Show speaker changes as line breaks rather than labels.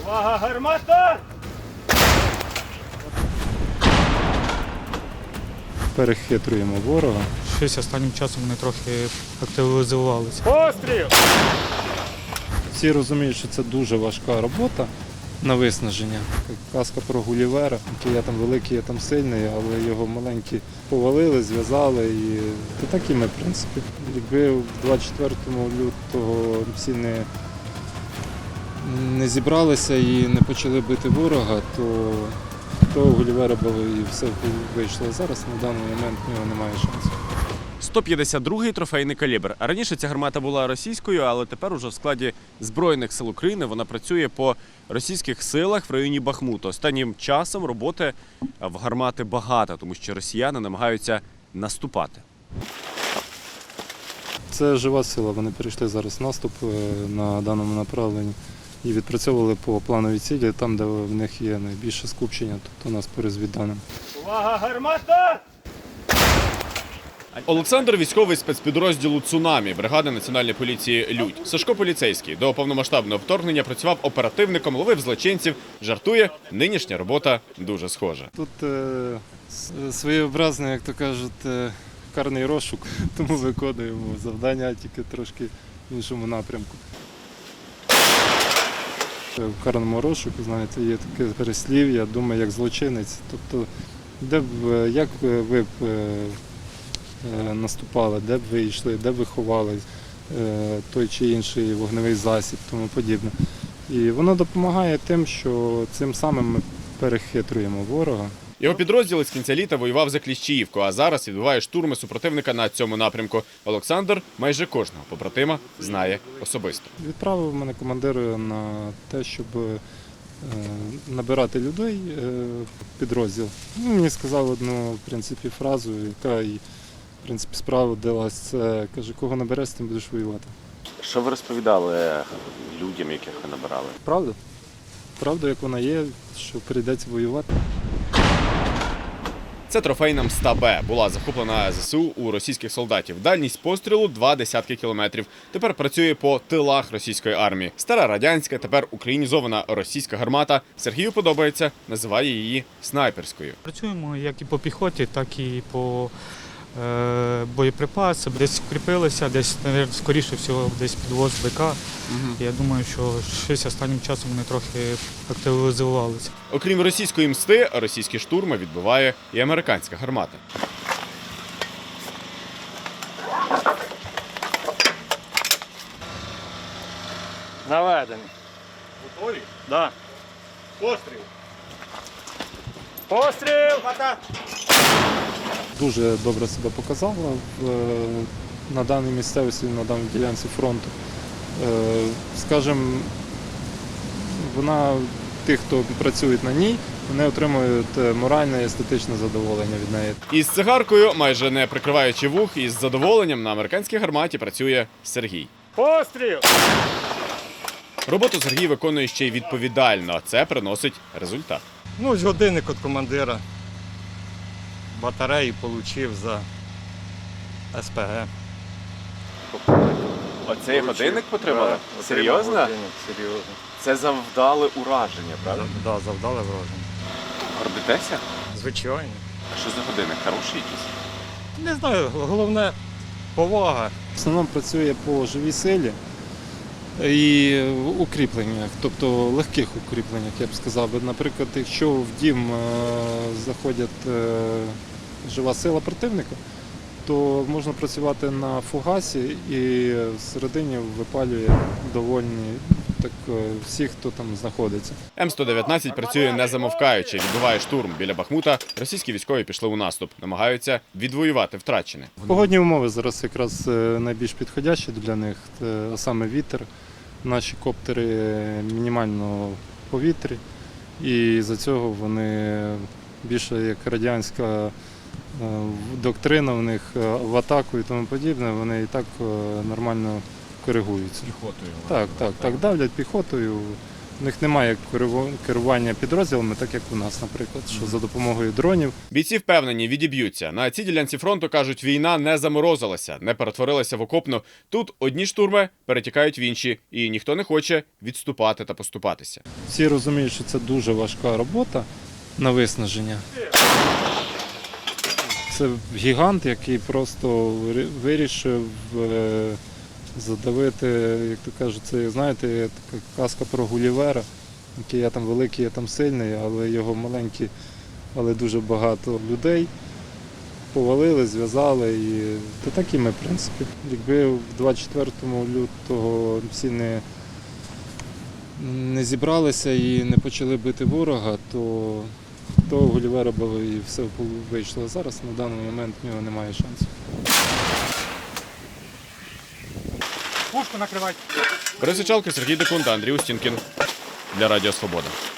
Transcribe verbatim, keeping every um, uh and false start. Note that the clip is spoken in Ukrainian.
Увага, гармата!
Перехитрюємо ворога.
Щось останнім часом вони трохи активізувалися.
Постріл!
Всі розуміють, що це дуже важка робота на виснаження. Як казка про Гулівера, який я там великий, я там сильний, але його маленькі повалили, зв'язали. І то так і ми, в принципі. Якби в двадцять четвертого лютого всі не, не зібралися і не почали бити ворога, то того Гулівера було і все вийшло. Зараз на даний момент в нього немає шансу.
сто п'ятдесят другий трофейний калібр. Раніше ця гармата була російською, але тепер уже в складі Збройних сил України вона працює по російських силах в районі Бахмуту. Останнім часом роботи в гармати багато, тому що росіяни намагаються наступати.
Це жива сила, вони перейшли зараз в наступ на даному направленні і відпрацьовували по плановій цілі, там, де в них є найбільше скупчення, тобто у нас по розвідданим.
Увага, гармата!
Олександр – військовий спецпідрозділу «Цунамі» бригади Національної поліції «Людь». Сашко поліцейський. До повномасштабного вторгнення працював оперативником, ловив злочинців. Жартує, нинішня робота дуже схожа.
Тут е, своєобразний, як то кажуть, е, карний розшук, тому виконуємо завдання тільки трошки в іншому напрямку. В карному розшуку, знаєте, є таке переслів'я, думаю, як злочинець. Тобто, де б, як ви б е, наступали, де б ви йшли, де б ви ховали е, той чи інший вогневий засіб, тому подібне. І воно допомагає тим, що цим самим ми перехитрюємо ворога.
Його підрозділ із кінця літа воював за Кліщіївку, а зараз відбиває штурми супротивника на цьому напрямку. Олександр майже кожного побратима знає особисто.
Відправив мене командир на те, щоб е, набирати людей е, в підрозділ. Ну, мені сказав одну, в принципі, фразу, яка і в принципі справдилась. Це каже, кого набереш, з тим будеш воювати.
Що ви розповідали людям, яких ви набирали?
Правда? Правда, як вона є, що прийдеться воювати.
Це трофейна Мста Б. Була захоплена ЗСУ у російських солдатів. Дальність пострілу – два десятки кілометрів. Тепер працює по тилах російської армії. Стара радянська, тепер українізована російська гармата. Сергію подобається, називає її снайперською.
Працюємо як і по піхоті, так і по е, боєприпасам. Десь укріпилися, десь, мабуть, скоріше всього, десь підвоз БК. Угу. Я думаю, що щось останнім часом вони трохи активізувалися.
Окрім російської мсти, російські штурми відбиває і американська гармата.
Наведений. Готові? Да. Постріл! Постріл!
Дуже добре себе показала в, на даній місцевості, на даній ділянці фронту. Е, скажімо, вона, тих, хто працює на ній, вони отримують моральне і естетичне задоволення від неї.
Із цигаркою, майже не прикриваючи вух, із задоволенням на американській гарматі працює Сергій.
Постріл!
Роботу Сергій виконує ще й відповідально. Це приносить результат.
Ну, ось годинник від командира. Батареї отримав за ес пе ге.
Оцей годинник потримали?
Да,
Серйозно?
годинник, серйозно.
Це завдали ураження, правда?
Так, да, завдали враження.
Гордитеся?
Звичайно.
А що за годинник? Хороший якийсь?
Не знаю, головне повага.
В основному працює по живій силі і укріпленнях, тобто легких укріпленнях, я б сказав. Наприклад, якщо в дім е, заходять е, жива сила противника, то можна працювати на фугасі і всередині випалює довольні так, всіх, хто там знаходиться.
Ем сто дев'ятнадцять працює не замовкаючи, відбиває штурм біля Бахмута. Російські військові пішли у наступ, намагаються відвоювати втрачене.
Погодні умови зараз якраз найбільш підходящі для них, а саме вітер. Наші коптери мінімально в повітрі, і за цього вони більше як радянська доктрина в них в атаку і тому подібне, вони і так нормально коригуються.
Піхотою.
Так, так, так, давлять піхотою, У них немає керу- керування підрозділами, так як у нас, наприклад, що за допомогою дронів.
Бійці впевнені, відіб'ються. На цій ділянці фронту, кажуть, війна не заморозилася, не перетворилася в окопну. Тут одні штурми перетікають в інші, і ніхто не хоче відступати та поступатися.
Всі розуміють, що це дуже важка робота на виснаження. Це гігант, який просто вирі- вирішив е, задавити, як то кажуть, це, знаєте, є така казка про Гулівера, який я там великий, я там сильний, але його маленькі, але дуже багато людей повалили, зв'язали. І то так і ми, в принципі. Якби в двадцять четвертому лютого всі не, не зібралися і не почали бити ворога, то того Гулівера було і все вийшло. Зараз на даний момент в нього немає шансів.
Пушку накривати.
Борис Ічалко, Сергій Декун та Андрій Устінкін для Радіо Свобода.